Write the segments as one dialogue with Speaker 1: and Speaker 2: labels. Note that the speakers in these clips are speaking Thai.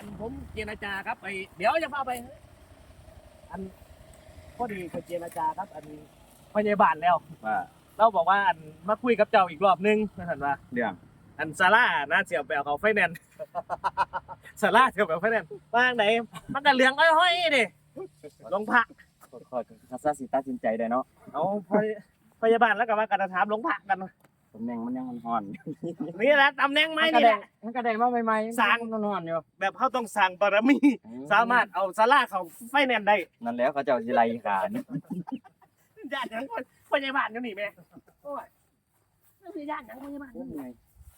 Speaker 1: ผมเจรจาครับไปเดี๋ยวจะพาไป อันพอดีไปเจรจาครับ อันพยาบาลแล้ว
Speaker 2: ว่า
Speaker 1: เราบอกว่าอันมาคุยกับเจ้าอีกรอบนึงนะท่านว่า
Speaker 2: เรื่อง
Speaker 1: อันซาร่าน่าเสียไปเอาเขาไฟแนนซ์ ซาร่าเสียไปเอาไฟแนนซ์ว่างไหนมันก็เหลืองอ้อยๆดิลงพัก
Speaker 2: ขอทัศนสิตัดสินใจได้เนาะ
Speaker 1: เอาพยาบาลแล้วก็มากระถามลงพักกัน
Speaker 2: ตำแหน่งมันยังห่อน
Speaker 1: นี่แหละตำแหน่งไหม
Speaker 2: มันก็
Speaker 1: นี่แห
Speaker 2: ได้
Speaker 1: ละ
Speaker 2: มันก็ได้มาใหม่ๆ
Speaker 1: สร้าง
Speaker 2: มันห่อนอยู่
Speaker 1: แบบเขาต้องสั่งบารมี สามารถเอาซาร่าเขาไฟแนนซ์ได้
Speaker 2: นั่นแล้วเขาเจ้าสิไล่ขาน
Speaker 1: ญาติหยังคนพยาบาลอยู่นี่แม่โอ้ยนี่คือญาติหยังพยาบาลอยู่นี่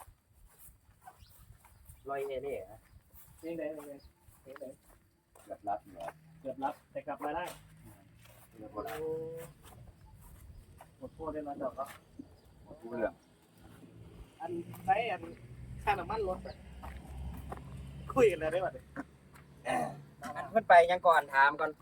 Speaker 2: ลอยเนี่ยนี่
Speaker 1: นี่ไหนนี่ไหนนี่ไหน
Speaker 2: แบบรับเนี่ย
Speaker 1: เกือบรับแต่กลับมาได้
Speaker 2: เรื่องบ่ได้
Speaker 1: หมดโทษได้แล้วเดี๋ยวก็
Speaker 2: รู้เรื่อง
Speaker 1: อันใช้อันค่าน้ำมันลดไปคุยกันเลยได้ป่ะเนี่ย
Speaker 2: อันเพิ่นไปยังก่อนถามก่อน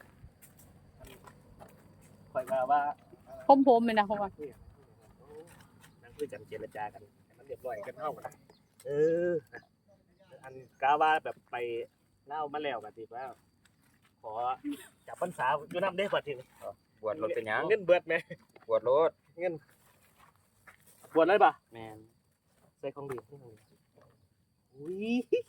Speaker 1: คอยมาว่า
Speaker 3: ผมเลยนะผมว่า
Speaker 1: นั่งคุยกันเจรจากันให้มันเรียบร้อยกันเท่ากันเออ อันกาว่าแบบไปเล่ามาแล้วกันทีว่าขอจับพรรษาอยู่น้ำได้ป่ะทีนี้
Speaker 2: บวชรถเป็นหยัง
Speaker 1: เงินเบิดไหม
Speaker 2: บวชรถ
Speaker 1: เงินบวชเลยป่ะ
Speaker 2: แม่น
Speaker 1: ใส่ของดีอุ้ย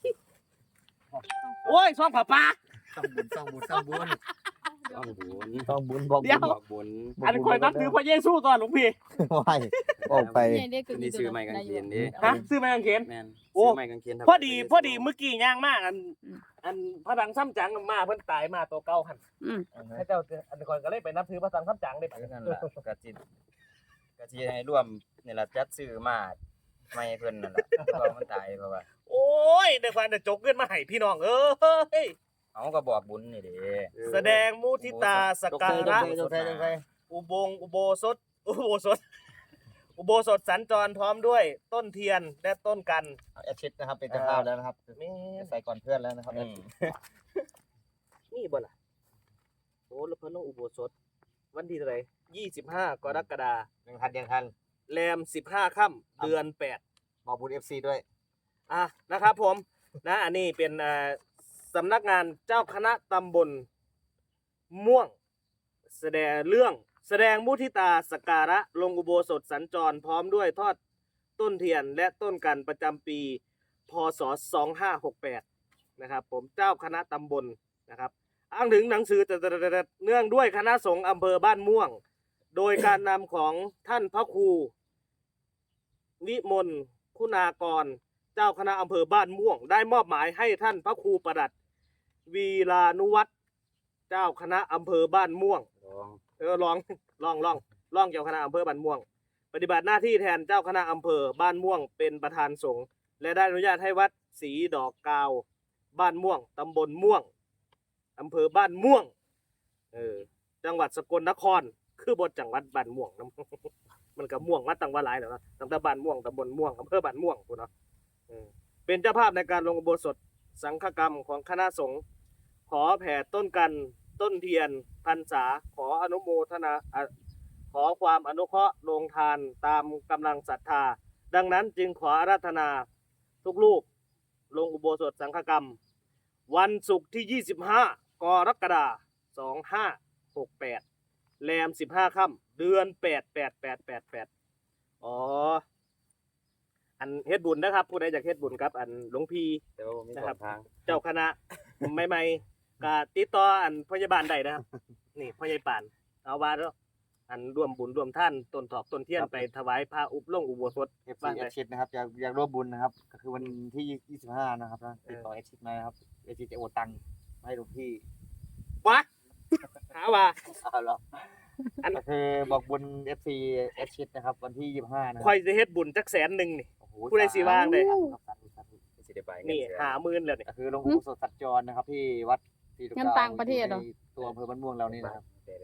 Speaker 1: โอ้ยซองผ้าป่า
Speaker 2: ต้องบุญต้องบุญต้องบุญบอก
Speaker 1: เดี๋ยว
Speaker 2: บอกบุญ
Speaker 1: อันคอยนับถือพระเยซูตอนหลวงพี่
Speaker 4: ไหวออกไป
Speaker 3: เนี่ยเด็ก
Speaker 2: นี่ซื้อไม้กางเขนดิ
Speaker 1: ฮะซื้อมากางเขน
Speaker 2: แม่น
Speaker 1: โอ้
Speaker 2: ซื้อไม้กางเขน
Speaker 1: พอดีเมื่อกี้ย่างมากอันพระดังซ้ำจังมาเพิ่นตายมาตัวเก่าหัน
Speaker 3: อืม
Speaker 1: ให้เจ้าอันคอยก็เลยไปนับถือพระดังซ้ำจังได้ปะ
Speaker 2: นั่นล่ะกะจิให้ร่วมนี่ล่ะจัดซื้อมาไม่เพิ่นนั่นล่ะเพราะว่ามันตายเพราะว่า
Speaker 1: โอ้ยในความจะจกเงินมาให้พี่น้องเอ้ย
Speaker 2: เอาก็บอกบุญนี่เด้
Speaker 1: แสดงมุทิตาสกการะ อุโบสถอุโบสถสัญจรพร้อมด้วยต้นเทียนและต้นกัน
Speaker 4: แอดชิดนะครับเป็นเจ้าภาพแล้วนะครับ
Speaker 1: แม่
Speaker 4: ใส่ก่อนเพื่อนแล้วนะครับ
Speaker 2: อืม
Speaker 1: นี่บ่ล่ะโอ้แล้วเพิ่นลงอุโบสถวันที่เท่าไหร่25 กรกฎาคม
Speaker 4: ยังทัน
Speaker 1: แรม15 ค่ำเดือน 8
Speaker 4: บอกบุญ FC ด้วย
Speaker 1: นะครับผมนะอันนี้เป็นสำนักงานเจ้าคณะตำบลม่วง แสดงมุทิตาสกการะลงอุโบสถสัญจรพร้อมด้วยทอดต้นเทียนและต้นกันประจำปีพศ2568นะครับผมเจ้าคณะตำบลนะครับอ้างถึงหนังสือเนื่องด้วยคณะสงฆ์อำเภอบ้านม่วง โดยการนำของท่านพระครูวิมลคุณากร เจ้าคณะอำเภอบ้านม่วง ได้มอบหมายให้ท่านพระครูประดัดวีรานุวัฒน์เจ้าคณะอำเภอบ้านม่วง ลองเจ้าคณะอำเภอบ้านม่วง ปฏิบัติหน้าที่แทนเจ้าคณะอำเภอบ้านม่วงเป็นประธานสงฆ์และได้อนุญาตให้วัดศรีดอกกาวบ้านม่วงตำบลม่วงอำเภอบ้านม่วงจังหวัดสกลนครคือบทจังหวัดบ้านม่วงนะ มันก็ม่วงมาตั้งว่าหลายแล้วนะตั้งแต่บ้านม่วงตำบลม่วงอำเภอบ้านม่วงพุ่นเนาะเป็นเจ้าภาพในการลงอุโบสถสังฆกรรมของคณะสงฆ์ขอแผ่ต้นกันต้นเทียนพรรษาขออนุโมทนาขอความอนุเคราะห์ลงทานตามกำลังศรัทธาดังนั้นจึงขออาราธนาทุกรูปลงอุโบสถสังฆกรรม วันศุกร์ที่ 25 กรกฎาคม 2568 แรม 15 ค่ำเดือน 8 อ๋อ อันเฮ็ดบุญนะครับผู้ใดอยากเฮ็ดบุญครับ อันหลวงพี่
Speaker 2: แต่ว่ามี
Speaker 1: นะ
Speaker 2: ส
Speaker 1: ครั
Speaker 2: อบ งทาง
Speaker 1: เจ้าคณะ ใหม่ๆก็ติดต่ออันพยาบาลได้นะครับ นี่พยาบาลเอาว่าเด้ออันร่วมบุญร่วมท่านต้นถอกต้นเทียนไปถวายพระอุโบสถ
Speaker 4: FC แอดชิดนะครับอยากร่วมบุญนะครับ ก็คือวันที่25นะครับนะติดต่อแอดชิดมานะครับแอดชิดจะโอนตังค์ให้หลวงพี่
Speaker 1: วะหาว่า
Speaker 4: เอาเหรอก็คือบอกบุญ FC แอดชิดนะครับวันที่25นะ
Speaker 1: ข่อยจะเฮ็ดบุญจัก100,000นี่
Speaker 4: โอ้โห
Speaker 1: ผู้ใดสิว่างเลย
Speaker 4: สาธุ
Speaker 2: สิได้ไป
Speaker 1: นี่ 50,000แล้วนี่
Speaker 4: ก็คือลงอุโบสถสัญจรนะครับที่วัดศรีดอก
Speaker 3: เงิน
Speaker 4: กาว
Speaker 3: ต่างประเทศเหรอ
Speaker 4: ในตัวอำเภอบ้านม่วงเรานี่นะครับ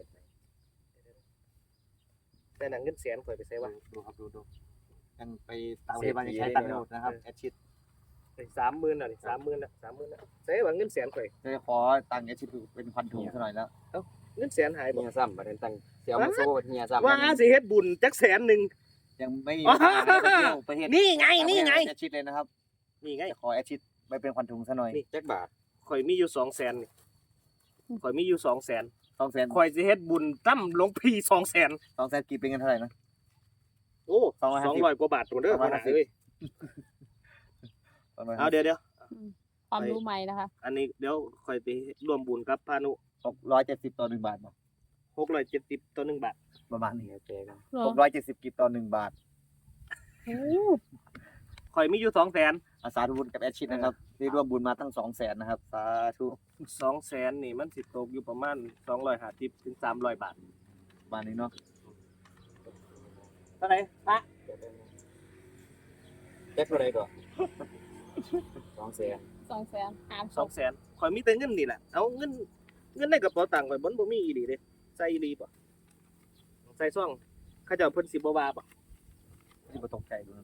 Speaker 1: แต่หนังเงินแสนข่อยไปใส่ว่า
Speaker 4: ดูครับดูยังไปต่างประเทศมายังใช้ตังค์ไม่หมดนะครับแอดชิด
Speaker 1: 30,000แล้วนี่30,000แล้วใส่ว่าเงินแสนข่อย
Speaker 4: จะขอตังค์แอดชิดเป็นพันถุงซะหน่อยแล้ว
Speaker 1: เงินแสนหายบ่
Speaker 2: เฮียซ้ำประเด็นตั้งเสียวมาโซ่เฮียซ้ำ
Speaker 1: ว่าสิเฮ็ดบุญจัก100,000
Speaker 4: ยังไม่มีเวลาไปเที่ยวประเทศ
Speaker 1: นี่ไง
Speaker 4: แอดชิดเลยนะครับ
Speaker 1: นี่ไง
Speaker 4: จะขอแอดชิดไปเป็นพันถุงซะหน่อย
Speaker 1: นี่
Speaker 2: จักบาท
Speaker 1: ข่อยมีอยู่200,000นี่ข่อยมีอยู่200,000
Speaker 4: 200,000
Speaker 1: ข่อยสิเฮ็ดบุญตั้มหลวงพี่200,000
Speaker 4: 200,000กี่เป็นเงินเท่าไหร่นะ
Speaker 1: โอ้
Speaker 4: 250
Speaker 1: 200กว่าบาทตัวเด้อ
Speaker 4: 250
Speaker 1: พ่อหน้าเอ้ยเอาเดี๋ยว
Speaker 3: ความรู้ใหม่นะคะ
Speaker 1: อันนี้เดี๋ยวข่อยไปร่วมบุญกับพานุ
Speaker 4: 670ต่อ1บาทบ่
Speaker 1: 670ต่อ1บาท
Speaker 4: ประมาณนี้
Speaker 2: แจกัน
Speaker 3: เหรอ
Speaker 4: 670กิบต่อ1บาท
Speaker 3: โอ้
Speaker 1: ข่อยมีอยู่200,000
Speaker 4: อาสาธุบุญกับแอดชิดนะครับที่ร่วมบุญมาตั้ง 200,000นะครับสาธุ
Speaker 1: 200,000นี่มันสิตกอยู่ประมาณ250ถึง300บาท
Speaker 4: ประมาณนี้เนาะ
Speaker 1: เท่าไหร่พระ
Speaker 2: แจ็คเท่าไหร่ก่อน200,000
Speaker 3: 200,000หารศพ
Speaker 1: 200,000ข่อยมีแต่เงินนี่แหละเอาเงินในกระเป๋าตังค์ข่อยบ่มีอีหลีเด้ใส่อีหลีบ่ใส่ซ่องเขาเจ้าเพิ่นสิบ่ว่าบ่
Speaker 4: ที่บ่ตกใจดูนะ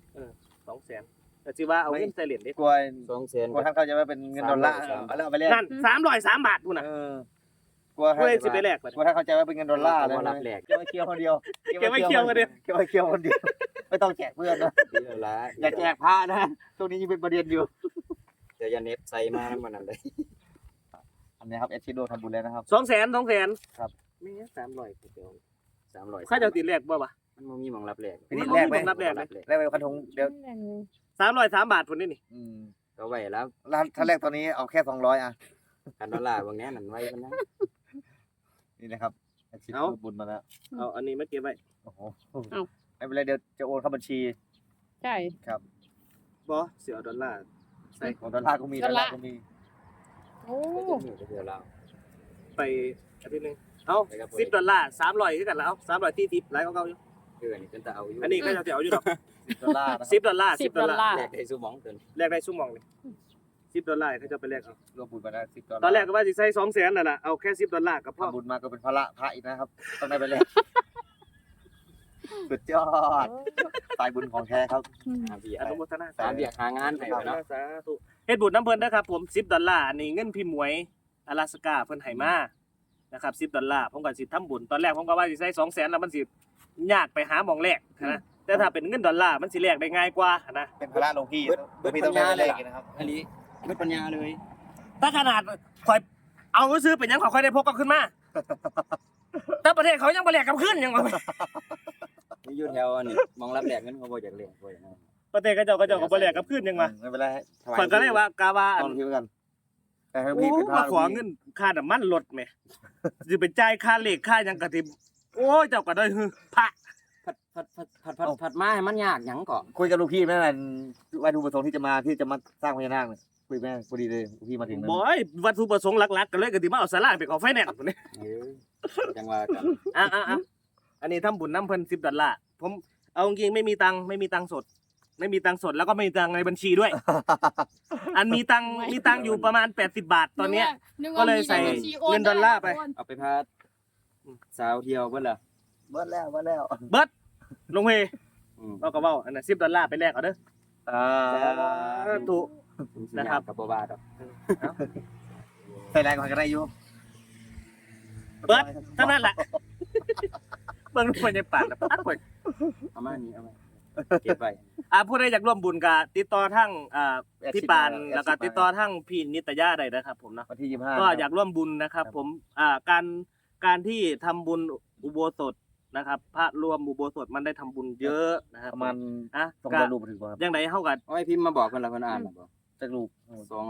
Speaker 1: 200,000แต่สิว่าเอาเงินใส่เหรียญเด้
Speaker 4: กลัว
Speaker 2: 200,000
Speaker 4: กลัวท่านเข้าใจว่าเป็นเงินดอลลาร์
Speaker 2: 300
Speaker 4: เอาแล้วเอาไปแลก
Speaker 1: นั่น303บาทพุ่นน่ะ
Speaker 4: กลัวท่าน
Speaker 1: เพื่อสิไปแลกบัด
Speaker 4: กลัวท่านเข้าใจว่าเป็นเงินดอลลาร์เลย
Speaker 2: บ่รับแลก
Speaker 4: เก็บไว้เคี่ยวคนเดียว
Speaker 1: เก็บไว้เคี่ยวคนเดียว
Speaker 4: เก็บไว้เคี่ยวคนเดียวไม่ต้องแจกเพื่อนนะ
Speaker 2: ดีแล้วล่ะ
Speaker 4: อย่าแจกพระนะช่วงนี้ยังเป็นประเด็นอยู่
Speaker 2: เดี๋ยวอย่าเน็บใส่มามันนั่นเลย
Speaker 4: อันนี้ครับแอดชิดโดทำบุญแล้วนะครับ
Speaker 1: 200,000
Speaker 4: ครับ
Speaker 1: แม่300กูเดียว
Speaker 2: 300
Speaker 1: เขาเจ้าติดแลกบ่วะ
Speaker 2: มันบ่มีหม่องรับแลก
Speaker 4: ไปนิดแรกไหม
Speaker 1: รับแลกเลย
Speaker 4: แลกไปคันธงเดี๋ยว
Speaker 1: 303บาทพุ่นนี่
Speaker 4: อืม
Speaker 2: ก็ไว้แล้ว
Speaker 4: ถ้าแรกตอนนี้เอาแค่200อ่ะ
Speaker 2: กันดอลลาร์บางแน่นั่นไว้กันนะ
Speaker 4: นี่นะครับแอดชิดร่วมบุญมาแล้ว
Speaker 1: เอาอันนี้มาเก็บไว้
Speaker 4: โอ้โหไม่เป็นไรเดี๋ยวจะโอนเข้าบัญชี
Speaker 3: ใช่
Speaker 4: ครับ
Speaker 1: บ่เสียดอลลาร์
Speaker 4: ของดอลลาร์ก็มีดอลลาร์ก็มี
Speaker 3: โอ้
Speaker 2: เดี๋ยวเรา
Speaker 1: ไปอาทิตย์หนึงเอา
Speaker 2: ไปครับ
Speaker 1: 10ดอลลาร์300คือกันแล้วเอา300ที่ทิปหลายกว่าเก่าอยู่
Speaker 2: เดือนนี้เป็นตาเอาอยู่
Speaker 1: อันนี้ก็จะเอาอยู่ดอก
Speaker 4: ดอลลาร์นะครับ
Speaker 1: 10ดอลลาร์10ดอลลาร์
Speaker 2: แลกได้ซุหมองเกิน
Speaker 1: แลกได้ชั่วโมงนี่10ดอลลาร์เขาจะไปแลกเอา
Speaker 4: ร่วมบุญมาแล้ว10 ดอลลาร์
Speaker 1: ตอนแรกก็ว่าสิใส่200,000นั่นล่ะเอาแค่10ดอลลาร์ก็พอ
Speaker 4: ทำบุญมาก็เป็นพระพระอีกนะครับ ต้องได้ไปแลกสุดยอดสายบุญของแท้ครับ
Speaker 2: หาเบีย
Speaker 1: อนุโมทนา
Speaker 2: หาเบียหางานให้ไว้เนาะ
Speaker 1: สาธุเฮ็ดบุญน้ำเพิ่นนะครับผม10ดอลลาร์อันนี้เงินพี่หมวยอลาสกาเพิ่นให้มานะครับ10ดอลลาร์ผมก็สิทำบุญตอนแรกผมก็ว่าสิใส่200,000แล้วมันสิยากไปหาหม่องแลกนะแต่ถ้าเป็นเงินดอลลาร์มันสิแลกได้ง่ายกว่านะ
Speaker 4: เป็นพระหลวงพี่
Speaker 2: เบิด
Speaker 4: พี่
Speaker 2: ปั
Speaker 4: ต้อง
Speaker 2: ญ
Speaker 4: ได้
Speaker 2: ญา
Speaker 4: ไป
Speaker 2: เล
Speaker 4: แล
Speaker 2: ย
Speaker 4: กอีกนะครับ
Speaker 2: อันนี้เบิดปัญญาเลย
Speaker 1: ถ้าขนาดข่อยเอาซื้อเป็นหยังข่อยได้พกกลับขึ้นมาแต่ประเทศเขายังบ่แลกกลับขึ้นยังว่า
Speaker 2: นี่อยู่แถวอันนี้มองรับแลกเงินเขาบ่อยากแลกบ่อยนะ
Speaker 1: ประเทศเขาเจ้าก็บ่แลกกลับขึ้นยังว่า
Speaker 4: ไม่เป็นไร
Speaker 1: ข่อยก็เลยว่ากาว่า
Speaker 4: ตอนพี่กันแต่ให้
Speaker 1: โอ้
Speaker 4: พี่เป็นพระ
Speaker 1: มาขอเงินค่าน้ำมันรถแหมสิไปจ่ายค่าเหล็กค่าหยังกะทิโอ้ยเจ้าก็ได้ฮือพระ
Speaker 2: ผัดมาให้มันยากหยังก่อ
Speaker 4: คุยกับลูกพี่แม่นั่นวัตถุประสงค์ที่จะมาสร้างพญานาคเนี่ยคุยแม่พอดีเลยลูกพี่มาถึง
Speaker 1: บอยวัตถุประสงค์หลักๆก็เลยก็สิมาเอาสลากไปขอไฟแนนซ์พุ่นนี่
Speaker 2: จังว่ากัน
Speaker 1: อ่ะอันนี้ทำบุญน้ำเพิ่น10ดอลลาร์ผมเอาจริงๆไม่มีตังค์สด ไม่มีตังค์สดแล้วก็ไม่มีตังค์ในบัญชีด้วย อันมีตังค์อยู่ประมาณ80บาทตอนเนี้ย ก็เลยใส่เงินดอลลาร์ไป
Speaker 2: เอาไปพาสาวเที่ยวเพิ่นล่ะ
Speaker 4: เบิดแล้ว
Speaker 1: เบิดลงเฮเราก็เว้าอันนั้น10ดอลลาร์ไปแลกเอาเด้อ
Speaker 4: อ่า
Speaker 1: ถูก นะครับ
Speaker 2: กับบ่บาดอก
Speaker 4: ใส่แรงกว่ากันได้อยู่
Speaker 1: เบิดเท่านั้นแหละเบิ่งคนในปากแล้วปัดเพิ่น
Speaker 2: เอามานี่เอามาเก็บไว้
Speaker 1: ผู้ใดอยากร่วมบุญก็ติดต่อทั้งพี่ปานแล้วก็ติดต่อทั้งพี่นิตยาได้นะครับผมนะ
Speaker 4: วันที่25
Speaker 1: ก็อยากร่วมบุญนะครับ ผมการที่ทำบุญอุโบสถนะครับ พระรวมอุโบสถมันได้ทำบุญเยอะนะครับ
Speaker 4: ประมาณ
Speaker 1: อ่ะ
Speaker 4: ต้อง
Speaker 1: ก็
Speaker 4: ได้รูปถึงบ่ครับ
Speaker 1: ยังไงเฮาก็
Speaker 2: เอาไว้พิมพ์มาบอกเพิ่นล่ะเพิ่นอ่านน่ะบ่
Speaker 4: จักรูป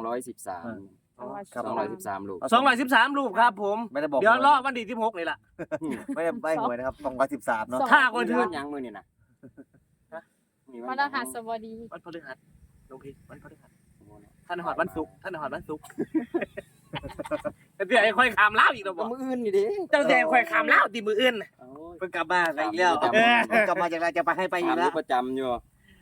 Speaker 2: 213
Speaker 4: ครับ
Speaker 2: 213ลูก
Speaker 1: 213รูปครับผม
Speaker 4: ไม่ได้บอก
Speaker 1: เดี๋ยวรอวันที่16นี่ล่ะ
Speaker 4: ไม่ได้ใบหวยนะครับ213เนาะ
Speaker 1: ถ้าคนถือ
Speaker 2: หยังมื้อนี่น่ะ
Speaker 3: พระรหัสบดี
Speaker 1: วันพฤหัสหลวงพี่วันพฤหัสท่านหอดวันศุกร์ท่านหอดวันศุกร์เดี๋ยวไอ้ค่อยขามลาวอีกแล้วบ่
Speaker 2: มื้ออื่นนี่เด้
Speaker 1: เจ้าแต่ค่อยขามลาวติมื้ออื่นน่ะ
Speaker 2: โอ้ย
Speaker 4: เพิ่งกลับมาอีกแล้ว
Speaker 2: เออ
Speaker 4: กลับมาจากไหนจะไปให้ไปอี
Speaker 2: ถาก มอ
Speaker 4: แล้ว
Speaker 2: ยู่ประจำอยู่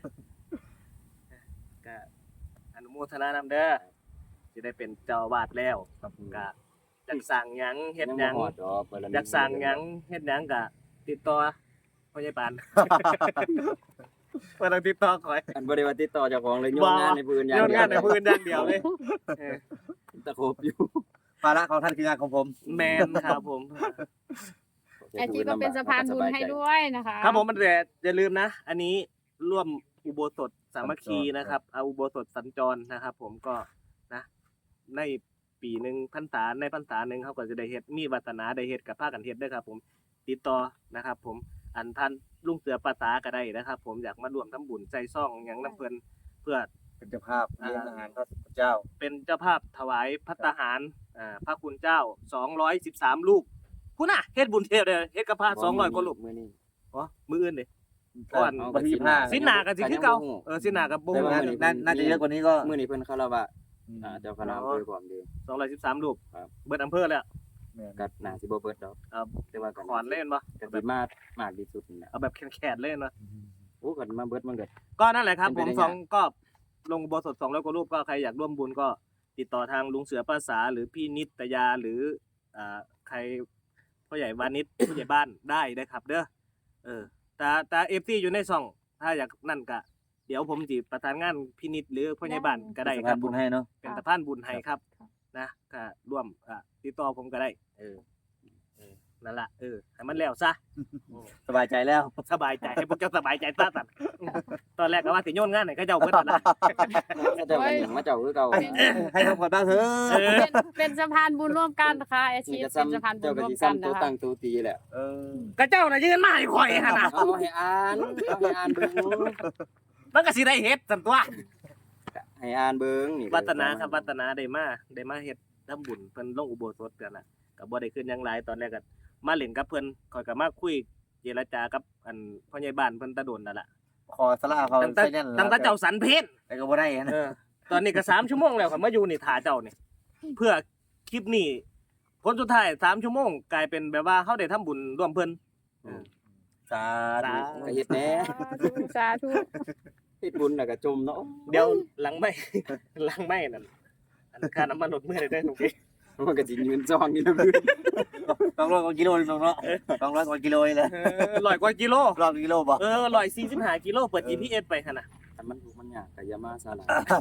Speaker 1: ก็อนุโมทนานำเด้อสิได้เป็นเจ้าอาวาสแล้ว
Speaker 4: ครับ
Speaker 1: ก็อยากสั่งหยังเฮ็ดห
Speaker 2: ยั
Speaker 1: ยัง ง
Speaker 2: บ่ฮอดดอกเพิ่นละ
Speaker 1: อยากสั่งหยังเฮ็ดหยังก็ติดต่อพ่อใหญ่ปานบ่ต้องติดต่อข่อย
Speaker 2: อันบ่ได้ว่าติดต่อเจ้าของเลยโยนงานในผู้อื่นอย่าง
Speaker 1: โยน
Speaker 2: เดียว
Speaker 1: งานในพื้นอย่างเดียวเลยเออ
Speaker 2: ตะครบอยู่
Speaker 4: ภาระของท่านคืองานของผม
Speaker 1: แมนครับผม
Speaker 3: ไอจีก็เป็นสะพานบุญให้ด้วยนะคะ
Speaker 1: ครับผมมันแต่อย่าลืมนะ อันนี้ร่วมอุโบสถสามัคคีนะครับเอาอุโบสถสัญจรนะครับ ผมก็นะในปีหนึงพรรษาในพรรษาหนึงเขาก็จะได้เฮ็ดมีวาสนาได้เฮ็ดกับพากันเฮ็ดเด้อครับผมติดต่อนะครับผมอันท่านลุงเสือปาตาก็ได้นะครับผมอยากมาร่วมทำบุญใจซ่องหยังน้ำเพิ่นเพื่อ
Speaker 4: เป็นเจ้าภาพเลี้ยงอาหารพระเจ้า
Speaker 1: เป็นเจ้าภาพถวายภัตตาหารพระคุณเจ้า213รูปคุณน่ะเฮ็ดบุญเทพเด้อเฮ็ดกับพระ200กว่ารูป
Speaker 2: มื้อนี้
Speaker 1: อ๋อมื้ออื่นเด้ก่อน
Speaker 4: วันที่25
Speaker 1: สินหน้าก็สิคือเก่าสินหน้าก็บ่
Speaker 4: แต่
Speaker 1: ฮู้
Speaker 4: ว่าน่าจะเยอะกว่านี้ก็
Speaker 2: มื้อนี้เพิ่นคารวะเจ้าคณะอำเภอพร้อมเด้อ
Speaker 1: 213รูป
Speaker 2: ครับ
Speaker 1: เบิดอำเภอแล้ว
Speaker 2: ก็น่าสิบ่เบิดดอก
Speaker 1: เอา
Speaker 2: แต่ว่าก็
Speaker 1: ขอนเล่นบ่
Speaker 2: ก็สิมากที่สุดนั่นแหละ
Speaker 1: เอาแบบแขนๆเล่นบ่
Speaker 2: โอ้ก็มาเบิดมันก็
Speaker 1: ก็นั่นแหละครับ
Speaker 2: เป็
Speaker 1: ผ
Speaker 2: น
Speaker 1: ม
Speaker 2: ไปได้
Speaker 1: สองก็ลงอุโบสถ200กว่ารูปก็ใครอยากร่วมบุญก็ติดต่อทางลุงเสือภาษาหรือพี่นิตยาหรือใครพ่อใหญ่วานิช ผู้ใหญ่บ้านได้นะครับ เด้อแต่ FC อยู่ในช่อง ถ้าอยากนั่นก็เดี๋ยวผมสิประสานงานพี่นิตหรือพ่อใหญ่บ้านก็ได้
Speaker 4: สะ
Speaker 1: ค
Speaker 4: พา
Speaker 1: รั
Speaker 4: น
Speaker 1: บ
Speaker 4: บุญให้เนาะ
Speaker 1: เป็นสะพานบุญให้ครับนะก็ร่วมติดต่อผมก็ได้นั่นล่ะให้มันแล้วซะ
Speaker 4: สบายใจแล้ว
Speaker 1: สบายใจให้พวกเจ้าสบายใจซะสั่นตอนแรกก็ว่าสิโยนงานให้เขาเจ้าเบิดนั่นล่ะ
Speaker 2: เจ้าก็หยังมาเจ้าคือเก่า
Speaker 4: ให้ทำก่อนบ้างเถอะ
Speaker 3: เป็นสะพานบุญร่วมกันนะคะอาชี
Speaker 2: นี่
Speaker 3: พ
Speaker 2: ก็
Speaker 3: เป็น
Speaker 2: ซ้ำ
Speaker 3: สะพานบุ
Speaker 2: เจ้า
Speaker 3: ญ
Speaker 2: ก็
Speaker 3: ร่วม
Speaker 2: สิ
Speaker 3: กัน
Speaker 2: ซ้ำตัว
Speaker 3: นะคะ
Speaker 2: ตั้งตัวตีแหละ
Speaker 1: ก็เจ้าน่ะยืนมาให้ข่อยหั่นน่ะ
Speaker 2: เอาให้อ่านเบิ่ง
Speaker 1: มันก็สิได้เฮ็ดซั่นตัว
Speaker 2: ให้อ่านเบิ่งนี่
Speaker 1: วัฒนาครับวัฒนาได้มาเฮ็ดทำบุญเพิ่นลงอุโบสถกันน่ะก็บ่ได้ขึ้นหยังหลายตอนแรกก็มาเล่นกับเพิ่นข่อยก็มาคุยเจรจากับอันพ่อใหญ่บ้านเพิ่นตะโดนนั่นล่ะ
Speaker 4: ขอสลาเขา
Speaker 1: ตั้งแต่
Speaker 4: ใส่แน่น
Speaker 1: ตั้งแต่เจ้าสันเพชร
Speaker 4: แต่ก็บ่ได้นะ
Speaker 1: ตอนนี้ก็3ชั่วโมงแล้วครับมาอยู่นี่ท่าเจ้านี่เพื่อคลิปนี้ผลสุดท้าย3ชั่วโมงกลายเป็นแบบว่าเฮาได้ทำบุญร่วมเพิ่น
Speaker 4: สาธุ
Speaker 2: ก็เฮ็ดแหน่
Speaker 3: สาธุ
Speaker 2: เฮ็ดบุญแล้วก็จมเนาะ
Speaker 1: เดี๋ยวหลังไม่ หลังไม่นั่นอันค่าน้ำมันลดมื้อได้ทุกที
Speaker 2: มันก็สิยืนจ้องอยู่นะพี่
Speaker 4: 200กว่ากิโลนึงเนาะ200กว่ากิโลนี่แหละ
Speaker 1: 100กว่ากิโล
Speaker 4: รอบกิโลบ่
Speaker 1: 145กิโลเปิด GPS ไปหั่นน่ะ
Speaker 2: ถ้ามันทุกข์มันยากก็อย่ามาซาลา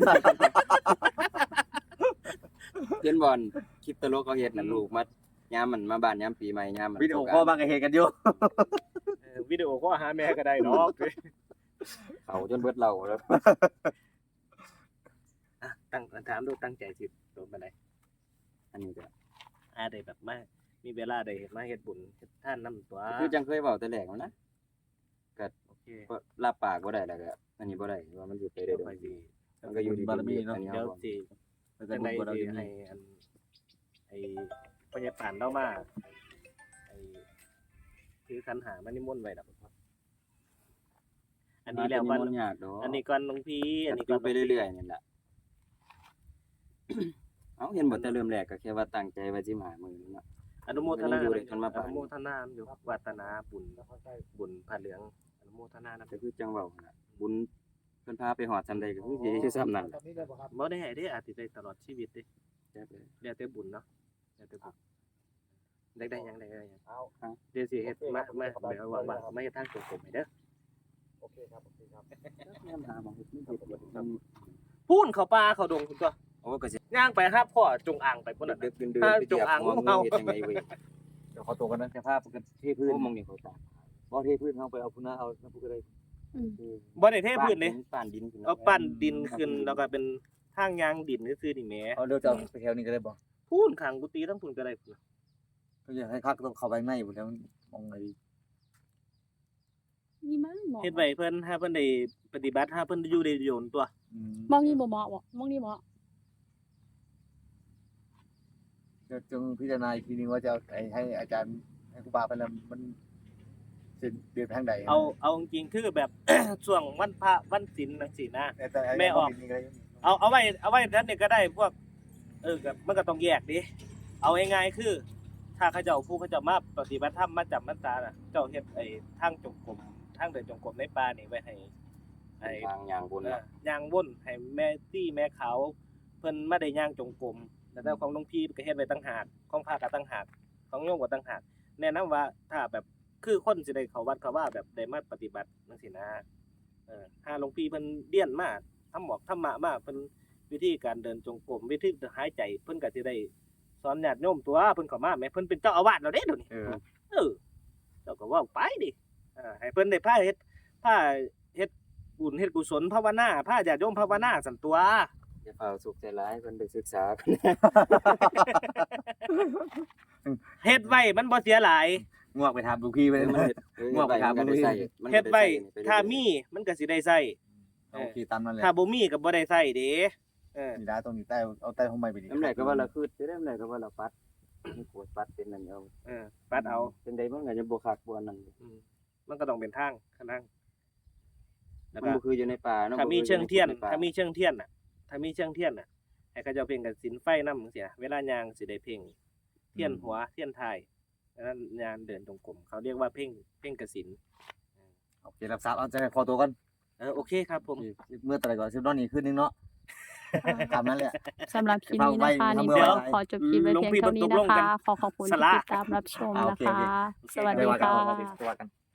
Speaker 2: เห็นบ่อนคลิปตลกเขาเฮ็ดน่ะลูกมายามมันมาบ้านยามปีใหม่ยามมัน
Speaker 4: วิดีโอคอลบางก็เห็นกันอยู่
Speaker 1: วิดีโอก็หาแม่ก็ได้ดอก
Speaker 2: เขาจนเบิดเหล้าแล้ว
Speaker 1: ตั้งถามดูตั้งใจสิโดนปานใด
Speaker 2: อันนี้ก็
Speaker 1: ได้แบบมามีเวลาได้เฮ็ดมาเฮ็ดบุญเฮ็ดทานนำตัว
Speaker 2: คือจังเคยเว้าแต่แรกแล้วนะ
Speaker 1: โอเค
Speaker 2: ก็รับปากบ่ได้แล้วก็อันนี้บ่ได้ว่ามันสิไปได้
Speaker 1: เดี๋ยว
Speaker 2: โด
Speaker 1: ไป
Speaker 2: ย
Speaker 1: สิ
Speaker 2: มันก็อยู่ที่
Speaker 4: บารมีเนาะ
Speaker 2: อั
Speaker 1: เดี๋ยวสิ
Speaker 4: แล้วก็
Speaker 1: จัง
Speaker 4: บุ
Speaker 1: ได๋
Speaker 4: ญบาร
Speaker 1: สิ
Speaker 4: มี
Speaker 1: ให้อันไอ้พ่อใหญ่ปานเรามาไอ้ถือขันหามานิมนต์ไว้ดอกอันนี้แล้ว
Speaker 2: มั
Speaker 1: ก่อน
Speaker 2: ยากดอก
Speaker 1: อันนี้ก่อนหลวงพี่อันนี้ก่
Speaker 2: ก็
Speaker 1: อน
Speaker 2: ไปเรื่อยๆนี่แหละ เอ้าเห็นบ่แต่เริ่มแรกก็แค่ว่าตั้งใจว่าสิมามื้อนี้เนาะ
Speaker 1: อนุโมทนา
Speaker 2: มันยังอยู่เลยมันมา
Speaker 1: อ
Speaker 2: ปาน
Speaker 1: นุโมทนาอยู่วัฒนาบุญผ้าเหลืองอนุโมทนานะ
Speaker 2: ก็คือจังเว้าน่ะบุญเพิ่นพาไปฮอดซำใดก็คือสิอยู่ซำนั้นแหละ
Speaker 1: บ่ได้ให้ได้อาจสิได้ตลอดชีวิตเด้
Speaker 2: จักเลย
Speaker 1: แล้วแต่บุญเนาะแล้วแต่บุญได้หยังได้หยัง
Speaker 4: เอา
Speaker 1: เดี๋ยวสิเฮ็ดมาเดี๋ยวว่างๆมาเฮ็ดทางส่งผมให้เด้อ
Speaker 4: โอเคครับโอเคครับ
Speaker 2: ยามหาหมองเฮ็ดมันเฮ็ดบ่ได้
Speaker 1: พูนเข้าป่าเข้าดงพุ่นตัว
Speaker 2: โอ้ก็สิ
Speaker 1: ย่างไปหาพ่อจงอ่างไปพุ่นน่ะ
Speaker 2: ดึกดื่น
Speaker 1: ถ้า
Speaker 2: ๆไปเหยียบ
Speaker 1: จงอาง
Speaker 2: หัว
Speaker 1: ของ
Speaker 2: งู
Speaker 1: เฮา
Speaker 2: เฮ็ดจังไดเว้ย
Speaker 4: เดี๋ยวขอตัวกันนะจะพาไปกันเทพื้น
Speaker 2: โอ้มองนี่เขาตาก
Speaker 4: บ่เทพื้นเฮาไปเอาพุ่นนะเอาน้ำพุก็ได้
Speaker 1: บ่ได้เทพื้นเด้
Speaker 2: ป้านดินขึ้น
Speaker 1: เอาปั้นดินขึ้นแล้วก็เป็นทางยางดินซื่อๆนี่แหม
Speaker 4: เอาเดี๋ยวจะเอาไปแถวนี้ก็ได้บ่
Speaker 1: พูนข้างกุฏิทั้งพุ่นก็ได้พุ่น
Speaker 4: ก็อยากให้คักต้องเข้าไปข้างในพุ่นแล้วมองไงดี
Speaker 3: นี่มั้งหมอ
Speaker 1: เฮ็ดไว้เพิ่นถ้าเพิ่นได้ปฏิบัติถ้าเพิ่นอยู่ได้โยนตัว
Speaker 3: มองนี่บ่เหมาะบ่มองนี่เหมาะ
Speaker 4: จะจงพิจารณาอีกทีนึงว่าจะให้อาจารย์ให้ครูบาไปแล้วมันสิเดือนทางใด
Speaker 1: เอาจริงๆคือแบบ ช่วงวันพระวันศีลจังซี่นะ
Speaker 4: แต่
Speaker 1: แม่ออก เอาไว้ท่านนี่ก็ได้พวกก็มันก็ต้องแยกดิเอาง่ายๆคือ ถ้าเขาเจ้าผู้เขาเจ้ามาปฏิบัติธรรมมาจำพรรษาน่ะเจ้าเฮ็ดไอ้ทางจงกรมทางเดินจงกรมในป่านี่ไว้ให้ไอ้
Speaker 2: ทางอย่างบนน่ะ
Speaker 1: ย่างวนให้แม่ตี้แม่ขาวเพิ่นมาได้ย่างจงกรมแต่ของหลวงพี่ก็เฮ็ดไว้ต่างหากของพระก็ต่างหากของโยมก็ต่างหากแนะนำว่าถ้าแบบคือคนสิได้เข้าวัดเข้าว่าแบบได้มาปฏิบัติจังซี่นะถ้าหลวงพี่เพิ่นเรียนมาทำหมอกธรรมะมาเพิ่นวิธีการเดินจงกรมวิธีหายใจเพิ่นก็สิได้สอนญาติโยมตัวเพิ่นเข้ามาแม่เพิ่นเป็นเจ้าอาวาสแล้วเด้เดี๋ยวนี้เจ้าก็เว้าไปดิให้เพิ่นได้พาเฮ็ดบุญเฮ็ดกุศลภาวนาพาญาติโยมภาวนาซั่นตัว
Speaker 2: อย่าเฝ้าสุขใจร้ายเพิ่นไปศึกษา
Speaker 1: เฮ็ดไว้มันบ่เสียหลาย
Speaker 4: งวกไปทำลูกพี่ไปเลย ง่วงไปครับ
Speaker 2: มันได้ใส่
Speaker 1: เฮ็ดไว้ถ้ามีมันก็สิได้ใช้
Speaker 4: โอเคตามนั้นเลย
Speaker 1: ถ้าบ่มีก็บ่ได้ใช้เด้เออ
Speaker 4: นี่ได้ตรงนี้ใต้เอาใต้ห้องใหม่ไปดิ
Speaker 2: น้ำไหนก็ว่าเราคืดได้น้ำไหนก็ว่าเราปัดมีขวดปัดเป็นนั่นเอา
Speaker 1: ปัดเอา
Speaker 2: เป็นใดมันก็จะบ่คักบ่อันนั้น
Speaker 1: มันก็ต้องเป็นทางข้างล่างแล้ว
Speaker 2: มัน
Speaker 1: ก็
Speaker 2: บ่คืออยู่ในป่าเนาะ
Speaker 1: ถ้ามีเชิงเทียน
Speaker 2: บ่คือใป่
Speaker 1: ถ้ามีเชิงเทียนน่ะให้เขาเจ้าเพ่งกับศิลไฟนำจังซี่เวลายางสิได้เพ่งเทียนหัวเทียนท้ายนั้นยานเดินตรงกลมเขาเรียกว่าเพ่งกสิน
Speaker 4: โอเครับทราบเอาจะขอตัวก่อน
Speaker 1: โอเคครับผม
Speaker 4: เมื่อตะไรก่อนซิปนอนนี่ขึ้นนึงเนาะตามนั้นแหละ
Speaker 3: สำหรับคลิปนี้นะคะ
Speaker 4: เดี๋
Speaker 3: นี่
Speaker 4: ยว
Speaker 3: ก็ขอจบคลิปไว้เพียงเท่านี้นะคะ ขอขอบคุณที่ติดตามรับชมนะคะ สวัสดี
Speaker 4: ไปว่ากัน
Speaker 3: ค่ะ
Speaker 4: ไปว่ากัน